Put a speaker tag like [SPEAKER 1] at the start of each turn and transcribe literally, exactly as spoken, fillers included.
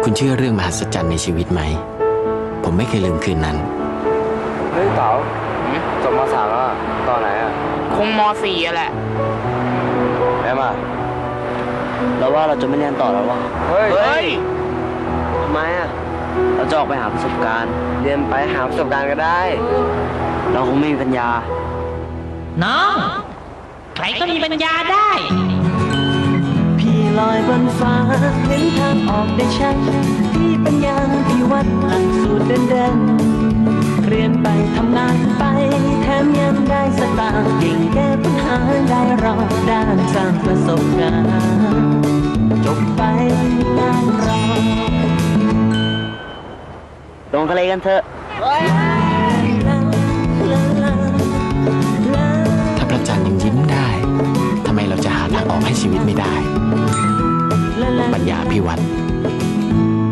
[SPEAKER 1] คุณเชื่อเรื่องมหัศจรรย์ในชีวิตไหมผมไม่เคยลืมคืนนั้น
[SPEAKER 2] เฮ้ยเต๋าจบมสามแล้วตอนไหนอ่ะ
[SPEAKER 3] คงมสี่อะแหละ
[SPEAKER 2] แม่มา
[SPEAKER 4] เราว่าเราจะไม่เรียนต่อแล้ววะ
[SPEAKER 2] เฮ้ยเฮ้ย
[SPEAKER 4] ทำไมอ่ะเราจะออกไปหาประสบการณ์เรียนไปหาประสบการณ์ก็ได้เราคงไม่มีปัญญา
[SPEAKER 3] น้องใครก็มีปัญญาได้
[SPEAKER 5] พี่ลอยบนฟ้าเห็นทางออกได้ชัดพี่ปัญญาพี่วัดหลักสูตรเดินๆเรียนไปทำงานไปแถมยังได้สตางค์เก่งแก้ปัญหาได้รอบด้านสร้างประสบการณ์จบไปงานรอ
[SPEAKER 4] ลงทะเลกันเถอะ
[SPEAKER 1] ถ้าพระจันทร์ยังยิ้มได้ทำไมเราจะหาทางออกให้ชีวิตไม่ได้ปัญญาภิวัตร